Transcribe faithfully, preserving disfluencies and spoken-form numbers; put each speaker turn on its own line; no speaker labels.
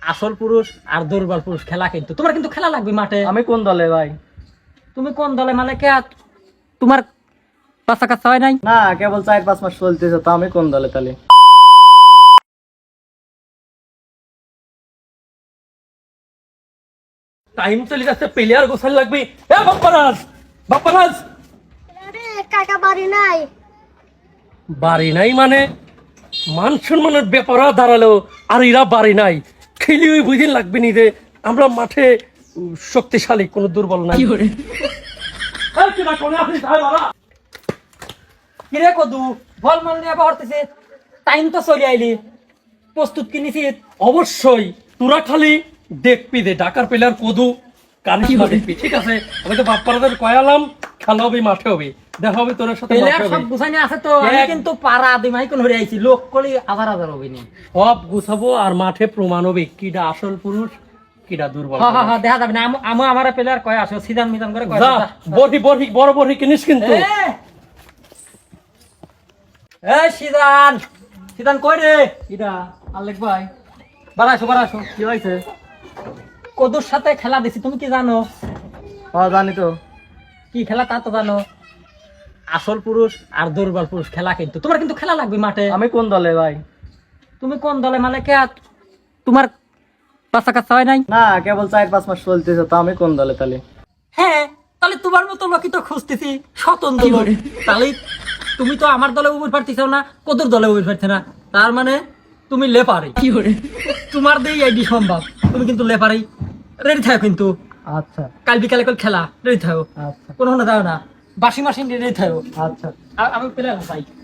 আসল পুরুষ আর দুর্বল পুরুষ খেলা, কিন্তু তোমার কিন্তু খেলা লাগবে মাঠে।
আমি কোন দলে ভাই?
তুমি কোন দলে মানে কে? তোমার বাচ্চা কাচ্চা হয় নাই?
না, কেবল চার পাঁচ মাস চলতেছে, তো আমি কোন দলে তাহলে?
টাইম চলে যাচ্ছে, প্লেয়ার গোছাল লাগবে। এ বাপ্পারাজ, বাপ্পারাজ
আরে কাকা বাড়ি নাই।
বাড়ি নাই মানে মান সম্মানের ব্যাপার দাঁড়ালো, আর এরা বাড়ি নাই। খেলি ওই বুঝিন লাগবে নি যে আমরা মাঠে উম, শক্তিশালী, কোনো দুর্বল নাই। এই কিরা কোনে আছিস? আয় বাবা।
কিরে কদু, বল মাল নিয়ে বহরতেছে, টাইম তো চলে আইলি, প্রস্তুত কিনেছি।
অবশ্যই তোরা খালি দেখবি যে ডাকার প্লেয়ার কদু কারিশমা দেখবি, ঠিক আছে? আমি তো বাপ্পারাদের কয়ালাম, খেলা হবে, মাঠে হবে, দেখা হবে তোর সাথে মাঠে
প্লেয়ার
হবে।
সব গুছাইনি আছে তো, আমি
এক-
কিন্তু পাড়া দিমাই কোন হরে আইছি, লোক কলি হাজার হাজার হবে নি।
সব গুছাবো আর মাঠে প্রমাণ হবে কিডা আসল পুরুষ কিডা দুর্বল
হ্যাঁ হ্যাঁ
পুরুষ।
হ্যাঁ, দেখা যাবে না। আম- আমু আমার প্লেয়ার কয় আসো, সিদান মিদান করে কয়
যা
আসো, যা।
বড়ি বড়ি বড় বড়ি কিনিস কিন্তু।
এ! এই সিদান, সিদান কই রে?
কিরা আলেক ভাই?
বাড়াইছো বাড়াইছো।
কি হয়েছে?
কদুর সাথে খেলা দিছি, তুমি কি জানো?
হ্যাঁ জানি তো।
কি খেলা তা তো জানো। আসল পুরুষ আর দুর্বল পুরুষ খেলা, কিন্তু তোমার কিন্তু খেলা লাগবে মাঠে।
আমি কোন দলে ভাই?
তুমি কোন দলে মানে কে? তোমার বাচ্চা কাচ্চা হয় নাই?
না, কেবল চার পাঁচ মাস চলতেছে, তো আমি কোন দলে তাহলে?
হ্যাঁ, তাহলে তোমার মতো লোকই তো খুঁজতেছি, স্বতন্ত্র লোক। তাহলে তুমি তো আমার দলে উবুর পারতেছ না, কদুর দলে উবুর পারছে না, তার মানে তুমি লেপারে। কি করে তোমার দিয়ে আইডি সম্ভব, তুমি কিন্তু লেপারেই। রেডি থাকো কিন্তু,
আচ্ছা
কাল বিকালে কল খেলা, রেডি থাকো,
আচ্ছা
কোনো না যাও না, বাসি মাসি রেডি থাকো।
আচ্ছা।
আ- আমি পেলে চাই।